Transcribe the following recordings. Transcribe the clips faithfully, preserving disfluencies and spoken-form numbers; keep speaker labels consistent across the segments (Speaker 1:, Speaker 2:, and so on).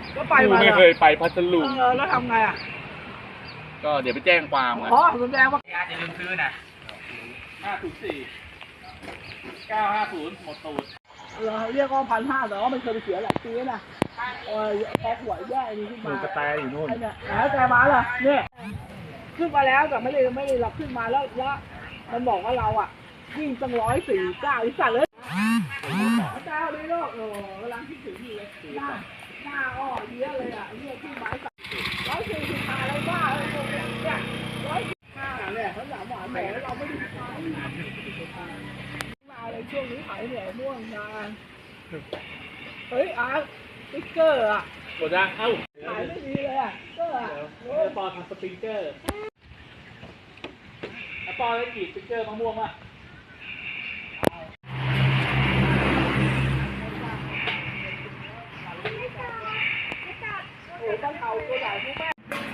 Speaker 1: ก็ไป
Speaker 2: กู
Speaker 1: มา
Speaker 2: ไม่เคยไปพัทลุง
Speaker 1: เออแล้วทำไงอ่ะ
Speaker 2: ก็เดี๋ยวไปแจ้งความกัน
Speaker 1: อ๋อสมแดงว่า
Speaker 2: อย่าลืมซื้อนะห้าศูนย์สี่เก้าห้าศูนย์หมดตูด
Speaker 1: เราเรียกว่าพันห้าแต่ว่ามันเคยไปเสียหลายปีนะเออพอหัวแย่นี้ขึ้นมา
Speaker 2: กระแตอยู่นู่น
Speaker 1: ไอ้เนี่ยแล้วแต่มาเหรอเนี่ยขึ้นมาแล้วแต่ไม่ได้ไม่ได้เราขึ้นมาแล้วแล้วมันบอกว่าเราอ่ะวิ่งตั้งร้อยสี่เก้าอีสัตว์เลยเจ้าเลยลูกโอ้กำลังคิดถึงอยู่เลยหน้าหน้าอ้อเยอะเลยอ่ะเรียกขึ้นมาร้อยสี่สิบห้าอะไรบ้าเลยเนี่ยร้อยห้าเนี่ยเขาถามว่าแหมเราไม่ได้มาในช่วงนี้ขายเหนื่อยม่วงนานเฮ้ยอาร์ตสติ๊กเกอร์อ่ะ
Speaker 2: หมดยังเอ้า
Speaker 1: ขายไม่ดีเลยอ่ะก็อ่ะ
Speaker 2: เดี๋ยวปอทำสปริงเกอร์แล้วปอได้กี่สปริงเกอร์มะม่วงวะ
Speaker 1: โอ้ตั้งเตาตัวใหญ่ทุกแม่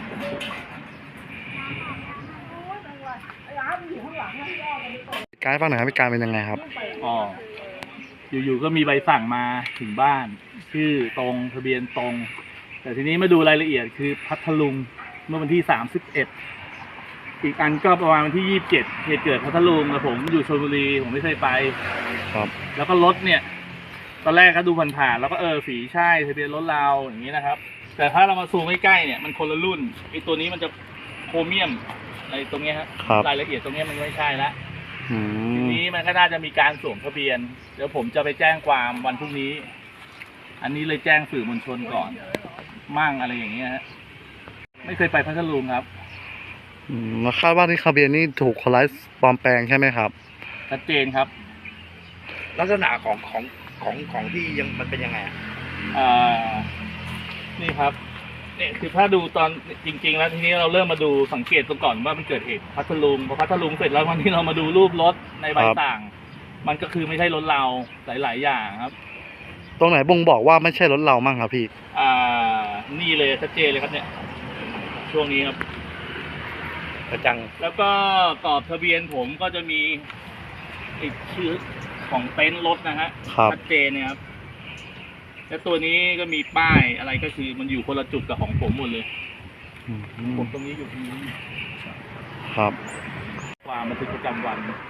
Speaker 1: ไอ้อาร์ตมันอยู่ข้างหลังนะที่ย่อกันไปก่อน
Speaker 3: การให้ฟังหน่อยครับการเป็นยังไงครับ
Speaker 2: อ๋ออยู่ๆก็มีใบสั่งมาถึงบ้านชื่อตรงทะเบียนตรง แต่ทีนี้มาดูรายละเอียดคือพัทลุงเมื่อวันที่สามสิบเอ็ดอีกอันก็ประมาณวันที่ยี่สิบเจ็ดเหตุเกิดพัทลุงแต่ผมอยู่ชลบุรีผมไม่เคยไป
Speaker 3: ครับ
Speaker 2: แล้วก็รถเนี่ย ตอนแรกก็ดูผ่านๆแล้วก็เออสีใช่ทะเบียนรถเราอย่างนี้นะครับ แต่ถ้าเรามาซูมใกล้ๆเนี่ยมันคนละรุ่นไอ้ตัวนี้มันจะโครเมียมอะไรตรงเนี้ยครับ
Speaker 3: ครับ
Speaker 2: รายละเอียดตรงเนี้ยมันไม่ใช่ละ
Speaker 3: อื
Speaker 2: ที
Speaker 3: ม
Speaker 2: นี้มันก็น่าจะมีการสวมทะเบียน เดี๋ยวผมจะไปแจ้งความวันพรุ่งนี้ อันนี้เลยแจ้งสื่อมวลชนก่อน มั่งอะไรอย่างเงี้ยฮะไม่เคยไปพัทลุงครับ
Speaker 3: อืมแล้วคาดว่าที่ทะเบียนนี่ถูกคนร้ายปลอมแปลงใช่ไหมครับ
Speaker 2: ชัดเจนครับ
Speaker 4: ลักษณะของของของของที่ยังมันเป็นยังไงอ่ะ
Speaker 2: อ่า นี่ครับเนี่ยคือถ้าดูตอนจริง ๆ แล้วทีนี้เราเริ่มมาดูสังเกตตรงก่อนว่ามันเกิดเหตุพัทลุงพอพัทลุงเสร็จแล้ววันที่เรามาดูรูปรถในใบ
Speaker 3: ครับ
Speaker 2: สั่ง มันก็คือไม่ใช่รถเราหลาย ๆ อย่างครับ
Speaker 3: ตรงไหนบ่งบอกว่าไม่ใช่รถเรามั่งครับพี่
Speaker 2: อ่า นี่เลยชัดเจนเลยครับเนี่ย ช่วงนี้ครับ
Speaker 4: กระจัง
Speaker 2: แล้วก็กรอบทะเบียนผมก็จะมีติดชื่อของเต็นท์รถนะฮะ
Speaker 3: ครับ
Speaker 2: ชัดเจนเนี่ยครับแล้วตัวนี้ก็มีป้ายอะไรก็คือมันอยู่คนละจุดกับของผมหมดเลย
Speaker 3: อืม
Speaker 2: ผมตรงนี้อยู่ตรงนี้
Speaker 3: ครับ
Speaker 2: ความบันทึกประจำวัน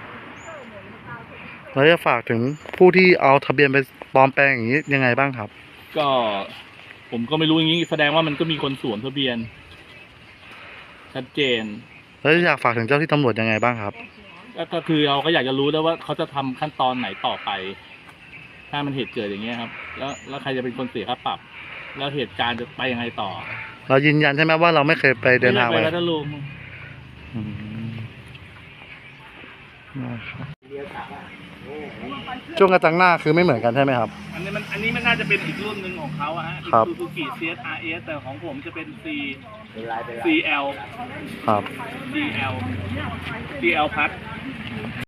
Speaker 3: แล้วจะฝากถึงผู้ที่เอาทะเบียนไปปลอมแปลงอย่างนี้ยังไงบ้างครับ
Speaker 2: ก็ผมก็ไม่รู้อย่างนี้แสดงว่ามันก็มีคนสวมทะเบียน ชัดเจน
Speaker 3: แล้วอยากฝากถึงเจ้าที่ตำรวจยังไงบ้างครับ
Speaker 2: แล้วก็คือเราก็อยากจะรู้แล้วว่าเขาจะทำขั้นตอนไหนต่อไป ถ้ามันเหตุเกิดอย่างเงี้ยครับ แล้วแล้วใครจะเป็นคนเสียค่าปรับ แล้วเหตุการณ์จะไปยังไงต่อ
Speaker 3: เรายืนยันใช่ไหมว่าเราไม่เคยไปเดินทาง
Speaker 2: ไป
Speaker 3: ไป
Speaker 2: พัทลุง
Speaker 3: อืมนะครับช่วงกระจังหน้าคือไม่เหมือนกันใช่ไหมครับ
Speaker 2: อันนี้มันอันนี้มันน่าจะเป็นอีกรุ่นหนึ่งของเขาอะฮะ
Speaker 3: ครับ
Speaker 2: ซูซูกิ ซี เอส อาร์ เอส แต่ของผมจะเป็น C
Speaker 4: เป็นลายเป็นลาย
Speaker 2: ซี แอล
Speaker 3: ครับ
Speaker 2: ซี แอล ซี แอล พัท